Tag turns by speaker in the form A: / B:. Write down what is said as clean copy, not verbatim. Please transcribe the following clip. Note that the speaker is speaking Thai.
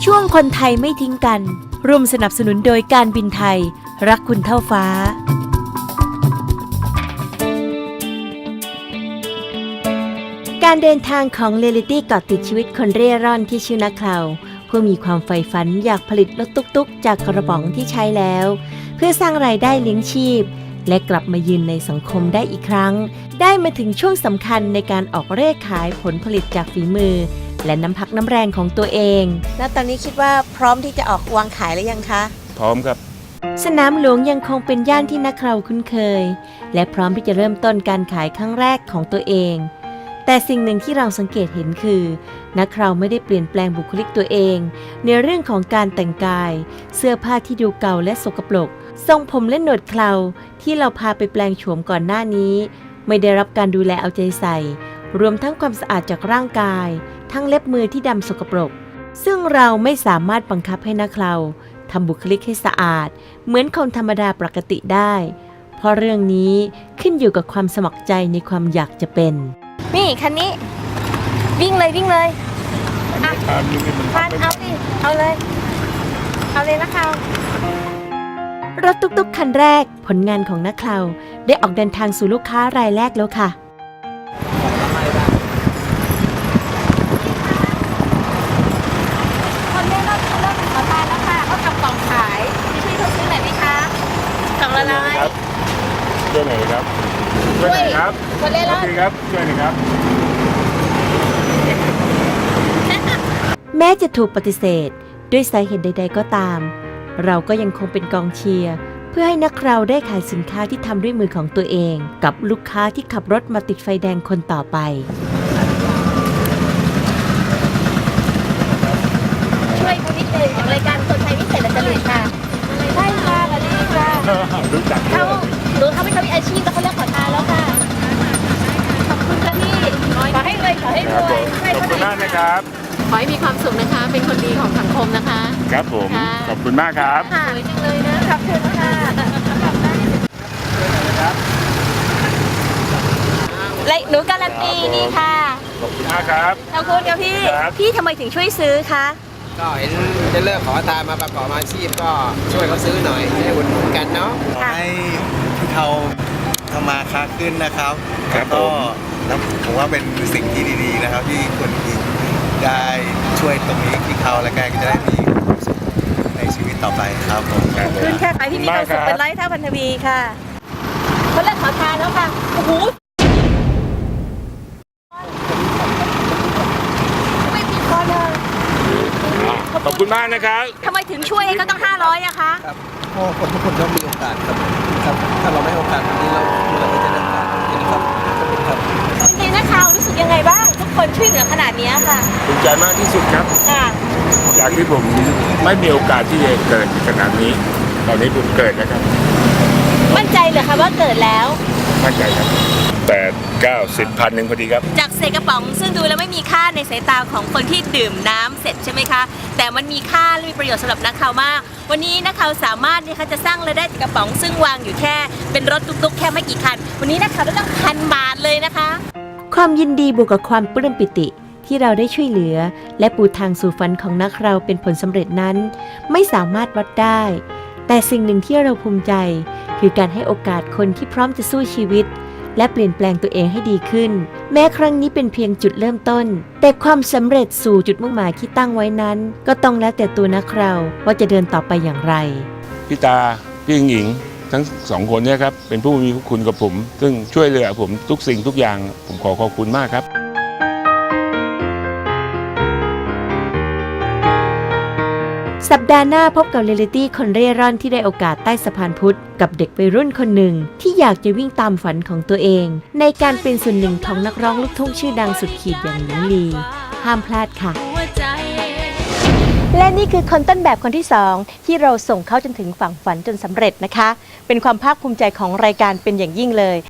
A: ช่วงคนไทยไม่ทิ้งกันร่วมสนับสนุนโดยการบินไทยรักคุณเท่าฟ้าการเดินทางของเรียลิตี้เกาะติดชีวิตคนเร่ร่อนที่ชื่อนักข่าวผู้มีความใฝ่ฝันอยากผลิตรถตุ๊กๆจากกระป๋องที่ใช้แล้วเพื่อสร้างรายได้เลี้ยงชีพและกลับมายืนในสังคมได้อีกครั้งได้มาถึงช่วงสำคัญในการออกเร่ขายผลผลิตจากฝีมือและน้ำพักน้ำแรงของตัวเองแล้วตอนนี้คิดว่าพร้อมที่จะออกวางขายหรือยังคะ
B: พร้อมครับ
A: สนามหลวงยังคงเป็นย่านที่นักข่าวคุ้นเคยและพร้อมที่จะเริ่มต้นการขายครั้งแรกของตัวเองแต่สิ่งหนึ่งที่เราสังเกตเห็นคือนักข่าวไม่ได้เปลี่ยนแปลงบุคลิกตัวเองในเรื่องของการแต่งกายเสื้อผ้าที่ดูเก่าและสกปรกทรงผมและหนวดเคราที่เราพาไปแปลงโฉมก่อนหน้านี้ไม่ได้รับการดูแลเอาใจใส่รวมทั้งความสะอาดจากร่างกายทั้งเล็บมือที่ดำสกปรกซึ่งเราไม่สามารถบังคับให้นักข่าวทำบุคลิกให้สะอาดเหมือนคนธรรมดาปกติได้เพราะเรื่องนี้ขึ้นอยู่กับความสมัครใจในความอยากจะเป็นนี่คันนี้วิ่งเลยอ่ะพานเอาสิเอาเลยนะคะรถตุ๊กๆคันแรกผลงานของนักข่าวได้ออกเดินทางสู่ลูกค้ารายแรกแล้วค่ะคนเล่นรถเริ่มขอทานแล้วค่ะเขาจับกล่องขายพี่เขาซื้อไหนไหมคะกล่องละร้อย
B: ช่วยหน่อยครับช่วยหน่อยครับ
A: คนเล่นรถ
B: ครับช่วยหน่อยครับ
A: แม้จะถูกปฏิเสธด้วยสาเหตุใดๆก็ตามเราก็ยังคงเป็นกองเชียร์เพื่อให้นักข่าวได้ขายสินค้าที่ทำด้วยมือของตัวเองกับลูกค้าที่ขับรถมาติดไฟแดงคนต่อไปช่วยคนนิดนึงของรายการคนไทยพิเศษและจริตค่ะใช่ค่ะสวัสดีค่ะ
B: รู้จัก
A: เขาไม่ทำอาชีพแล้วเขาเลิกขอทานแล้วค่ะขอบคุณค่ะพี่ขอให้รวยขอให้รวย
B: ขอบคุณมากนะครับ
A: ขอให้มีความสุขนะคะเป็นคนดีของสังคมนะคะ
B: ครับผมขอบคุณมากครับ
A: สวยจังเลยนะขอบคุณค่ะและหนูการันตีนี่ค่ะ
B: ขอบคุณมากครับ
A: ขอบคุณค่ะพี่ทำไมถึงช่วยซื้อคะ
C: ก็เห็นจะเลิกขอทานมาประกอบอาชีพก็ช่วยเขาซื้อหน่อยให้อุดหนุนกันเนาะ
D: ให้พี่เขาทำมาค้าขึ้นนะครับ
B: ครับ
D: ก็ผมว่าเป็นสิ่งที่ดีๆนะครับที่คนได้ช่วยตรงนี้พี่เขาและแกก็จะได้มีความสุขในชีวิตต่อไปครับผม
A: ขอบคุณค่ะพี่มีความสุขเป็นร้อยเท่าพันทวีค่ะเขาเลิกขอทานแล้วค่ะโอ้โหไม่ผิดคนเลย
B: ขอบคุณมากนะครับ
A: ทำไมถึงช่วยก็ต้อง500อะคะ
D: ครับเพราะคนทุกคนต้องมีโอกาสครับถ้าเราไม่ให้โอกาสแบบนี้เราไม่จะได้โอกาสนี้ครับ
A: เป็นไงนะคะรู้สึกยังไงบ้างทุกคนช่วยเหลือขนาดนี้ค่ะ
B: ภูมิใจมากที่สุดครับ
A: ค่ะ
B: จากที่ผมไม่มีโอกาสที่จะเกิดขนาดนี้ตอนนี้ผมเกิดนะครับ
A: มั่นใจเหรอคะว่าเกิดแล้ว
B: มั่นใจครับ8 9 10 1,000พอดีครับ
A: จากเศษกระป๋องซึ่งดูแล้วไม่มีค่าในสายตาของคนที่ดื่มน้ำเสร็จใช่ไหมคะแต่มันมีค่าและมีประโยชน์สำหรับนักข่าวมากวันนี้นักข่าวสามารถนะคะจะสร้างรายได้จากกระป๋องซึ่งวางอยู่แค่เป็นรถตุ๊กๆแค่ไม่กี่คันวันนี้นักข่าวได้ตั้ง1,000 บาทเลยนะคะความยินดีบวกกับความปลื้มปิติที่เราได้ช่วยเหลือและปูทางสู่ฝันของนักเราเป็นผลสำเร็จนั้นไม่สามารถวัดได้แต่สิ่งหนึ่งที่เราภูมิใจคือการให้โอกาสคนที่พร้อมจะสู้ชีวิตและเปลี่ยนแปลงตัวเองให้ดีขึ้นแม้ครั้งนี้เป็นเพียงจุดเริ่มต้นแต่ความสำเร็จสู่จุดมุ่งหมายที่ตั้งไว้นั้นก็ต้องแล้วแต่ตัวนักเราว่าจะเดินต่อไปอย่างไร
B: พี่ตาพี่หญิงทั้งสองคนเนี่ยครับเป็นผู้มีคุณกับผมซึ่งช่วยเหลือผมทุกสิ่งทุกอย่างผมขอบคุณมากครับ
A: สัปดาห์หน้าพบกับเรียลิตี้คนเร่ร่อนที่ได้โอกาสใต้สะพานพุทธกับเด็กวัยรุ่นคนหนึ่งที่อยากจะวิ่งตามฝันของตัวเองในการเป็นส่วนหนึ่งของนักร้องลูกทุ่งชื่อดังสุดขีดอย่างหญิงลีห้ามพลาดค่ะและนี่คือคนต้นแบบคนที่2ที่เราส่งเขาจนถึงฝั่งฝันจนสำเร็จนะคะเป็นความภาคภูมิใจของรายการเป็นอย่างยิ่งเลย